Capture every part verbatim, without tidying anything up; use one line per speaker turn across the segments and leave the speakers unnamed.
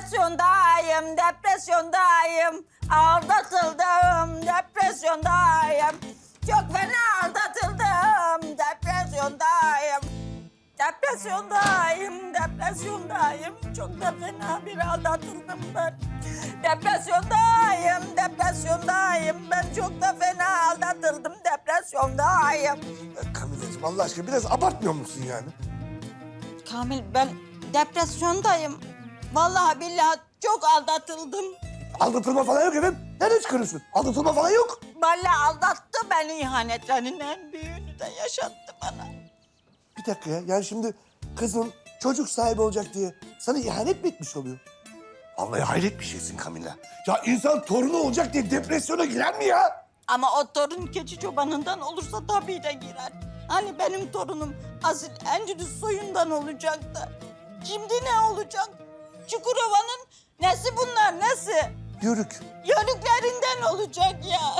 Depresyondayım, depresyondayım. Aldatıldım, depresyondayım. Çok fena aldatıldım, depresyondayım. Depresyondayım, depresyondayım. Çok da fena bir aldatıldım ben. Depresyondayım, depresyondayım. Ben çok da fena aldatıldım, depresyondayım.
Kamileciğim Allah aşkına biraz abartmıyor musun yani?
Kamil, ben depresyondayım. Vallahi billahi çok aldatıldım.
Aldatılma falan yok efendim. Nereden çıkarıyorsun? Aldatılma falan yok.
Vallahi aldattı beni, ihanetlerinin en büyüğünü de yaşattı bana.
Bir dakika ya. Yani şimdi kızın çocuk sahibi olacak diye sana ihanet mi etmiş oluyor? Vallahi hayret bir şeysin Kamila. Ya insan torunu olacak diye depresyona girer mi ya?
Ama o torun keçi çobanından olursa tabii de girer. Hani benim torunum asil Endülüs soyundan olacak da. Şimdi ne olacak? Çukurova'nın nesi bunlar, nesi?
Yörük.
Yörüklerinden olacak ya.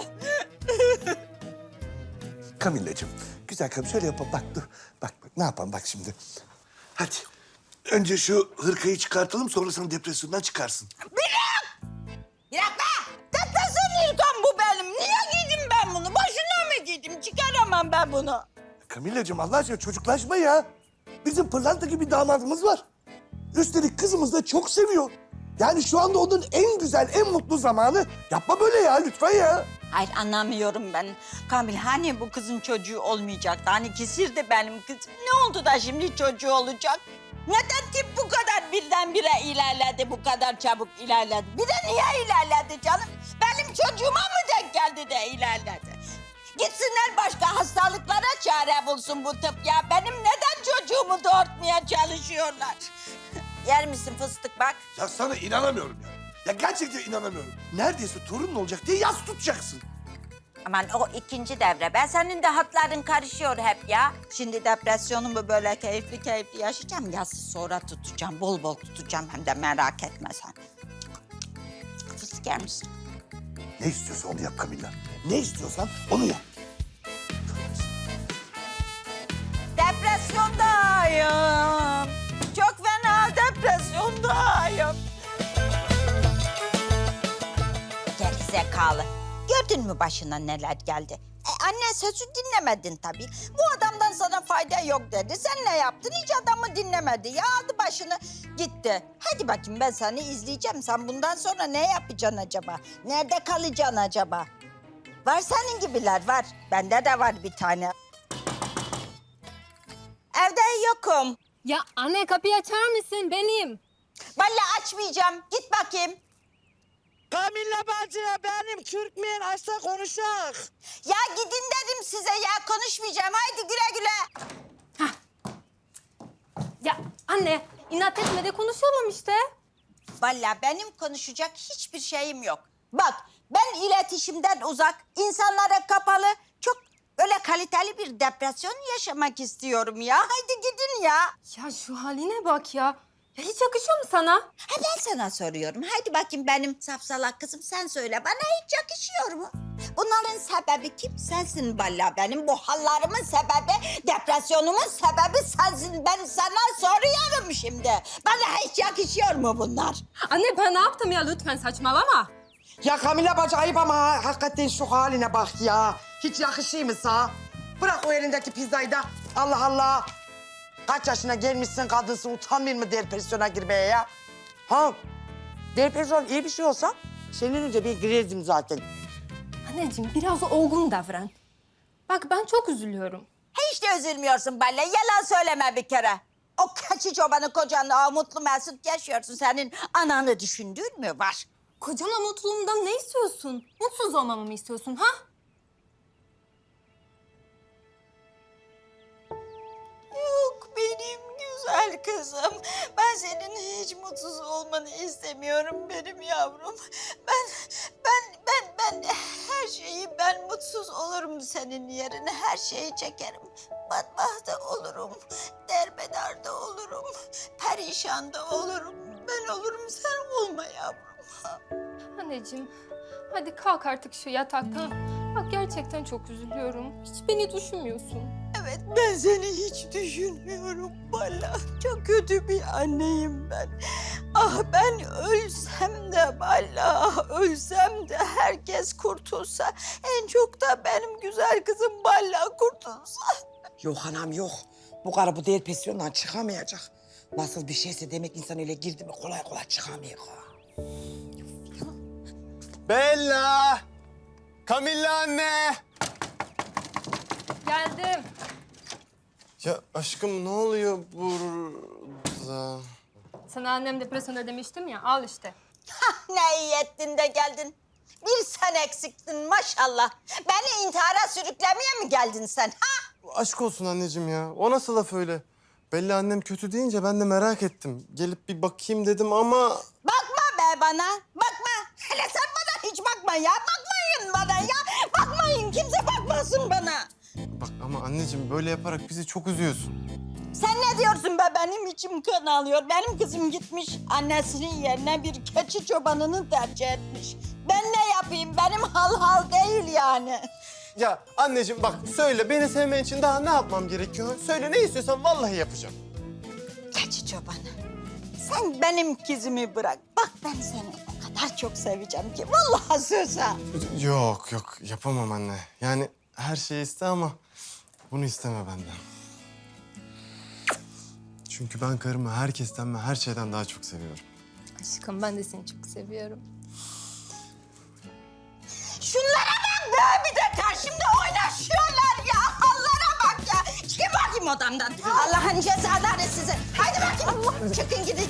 Kamileciğim, güzel karım şöyle yapalım. Bak dur. Bak bak ne yapalım bak şimdi. Hadi. Önce şu hırkayı çıkartalım sonra sen depresyondan çıkarsın.
Bırak! Bırak be! Depresyon ilkom bu benim. Niye giydim ben bunu? Boşuna mı giydim? Çıkaramam ben bunu.
Kamileciğim Allah aşkına çocuklaşma ya. Bizim pırlanta gibi damadımız var. Üstelik kızımız da çok seviyor. Yani şu anda onun en güzel, en mutlu zamanı. Yapma böyle ya lütfen ya.
Hayır, anlamıyorum ben. Kamil, hani bu kızın çocuğu olmayacaktı? Hani kesirdi benim kızım. Ne oldu da şimdi çocuğu olacak? Neden tip bu kadar birdenbire ilerledi, bu kadar çabuk ilerledi? Bir de niye ilerledi canım? Benim çocuğuma mı denk geldi de ilerledi? Gitsinler başka hastalıklara çare bulsun bu tıp ya. Benim neden çocuğumu doğurtmaya çalışıyorlar? Yer misin fıstık bak?
Ya sana inanamıyorum ya. Ya gerçekten inanamıyorum. Neredeyse torunun olacak diye yas tutacaksın.
Aman o ikinci devre. Ben senin de hatların karışıyor hep ya. Şimdi depresyonumu böyle keyifli keyifli yaşayacağım. Yazı sonra tutacağım. Bol bol tutacağım hem de merak etme sen. Fıstık yer misin?
Ne istiyorsan onu yap Kamilla. Ne istiyorsan onu yap.
Depresyondayım. Çok fena depresyondayım. Geri zekalı. Gördün mü başına neler geldi? E, anne sözü dinlemedin tabii. Bu adamdan sana fayda yok dedi. Sen ne yaptın? Hiç adamı dinlemedi. Ya aldı başını gitti. Hadi bakayım ben seni izleyeceğim. Sen bundan sonra ne yapacaksın acaba? Nerede kalacaksın acaba? Var senin gibiler var. Bende de var bir tane. Evde yokum.
Ya anne kapıyı açar mısın? Benim.
Vallahi açmayacağım. Git bakayım.
Kamilla bacı benim Türkmen açsa konuşak.
Ya gidin dedim size ya. Konuşmayacağım. Haydi güle güle.
Ya anne inat etme de konuşalım işte.
Vallahi benim konuşacak hiçbir şeyim yok. Bak ben iletişimden uzak, insanlara kapalı, çok böyle kaliteli bir depresyon yaşamak istiyorum ya. Haydi gidin ya.
Ya şu haline bak ya. Ya hiç yakışıyor mu sana?
Ha ben sana soruyorum. Haydi bakayım benim safsalak kızım sen söyle. Bana hiç yakışıyor mu? Bunların sebebi kim? Sensin vallahi benim. Bu hallarımın sebebi, depresyonumun sebebi sensin. Ben sana soruyorum şimdi. Bana hiç yakışıyor mu bunlar?
Anne ben ne yaptım ya lütfen saçmalama.
Ya Kamilla bacı ayıp ama ha, hakikaten şu haline bak ya. Hiç yakışıyor mu sana? Bırak o elindeki pizzayı da. Allah Allah. Kaç yaşına gelmişsin kadınsın utanmıyor mu depresyona girmeye ya? Ha? Depresyon iyi bir şey olsa senin önce bir girerdim zaten.
Anneciğim biraz olgun davran. Bak ben çok üzülüyorum.
Hiç de üzülmüyorsun Balle. Yalan söyleme bir kere. O keçi çobanı kocanla o mutlu mesut yaşıyorsun. Senin ananı düşündüğün mü var?
Kocama mutluluğumdan ne istiyorsun? Mutsuz olmamı mı istiyorsun ha?
Yok benim güzel kızım. Ben senin hiç mutsuz olmanı istemiyorum benim yavrum. Ben, ben, ben, ben her şeyi ben mutsuz olurum senin yerine. Her şeyi çekerim. Batmahta olurum. Derbederde olurum. Perişan da olurum. Ben olurum sen olma yavrum.
Anneciğim hadi kalk artık şu yataktan. Bak gerçekten çok üzülüyorum. Hiç beni düşünmüyorsun.
Evet, ben seni hiç düşünmüyorum Bala. Çok kötü bir anneyim ben. Ah ben ölsem de Bala, ölsem de herkes kurtulsa. En çok da benim güzel kızım Bala kurtulsa.
Yok anam yok. Bu karı bu depresyondan çıkamayacak. Nasıl bir şeyse demek insan öyle girdi mi kolay kolay çıkamıyor.
Bella! Camilla anne!
Geldim.
Ya aşkım ne oluyor burada?
Sana annem depresyonda demiştim ya, al işte.
Ne iyi ettin de geldin. Bir sen eksiktin maşallah. Beni intihara sürüklemeye mi geldin sen ha?
Aşk olsun anneciğim ya. O nasıl laf öyle? Bella annem kötü deyince ben de merak ettim. Gelip bir bakayım dedim ama...
Bakma be bana, bakma. Hele sen bana hiç bakma ya. Bakmayın bana ya. Bakmayın, kimse bakmasın bana.
Bak ama anneciğim böyle yaparak bizi çok üzüyorsun.
Sen ne diyorsun be? Benim içim kan alıyor. Benim kızım gitmiş annesinin yerine bir keçi çobanını tercih etmiş. Ben ne yapayım? Benim hal hal değil yani.
Ya anneciğim bak söyle beni sevmen için daha ne yapmam gerekiyor? Söyle ne istiyorsan vallahi yapacağım.
Keçi çobanı. Sen benim kızımı bırak. Bak ben seni o kadar çok seveceğim ki. Vallahi söz ha.
Yok yok yapamam anne. Yani her şeyi iste ama bunu isteme benden. Çünkü ben karımı herkesten ve her şeyden daha çok seviyorum.
Aşkım ben de seni çok seviyorum.
Şunlara bak be! Bir de karşımda oynaşıyorlar ya. Allah'a bak ya. Çıkın bakayım odamdan. Allah'ın cezaları size. Haydi bakayım. Çıkın gidin.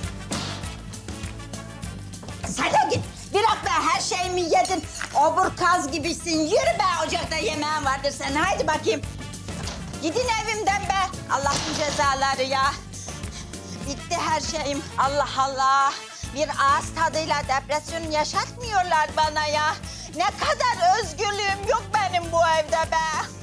Sen de git. Bırak be her şeyimi yedin. Obur kaz gibisin. Yürü be ocakta yemeğin vardır senin. Haydi bakayım. Gidin evimden be. Allah'ın cezaları ya. Bitti her şeyim. Allah Allah. Bir ağız tadıyla depresyon yaşatmıyorlar bana ya. Ne kadar özgürlüğüm yok benim bu evde be.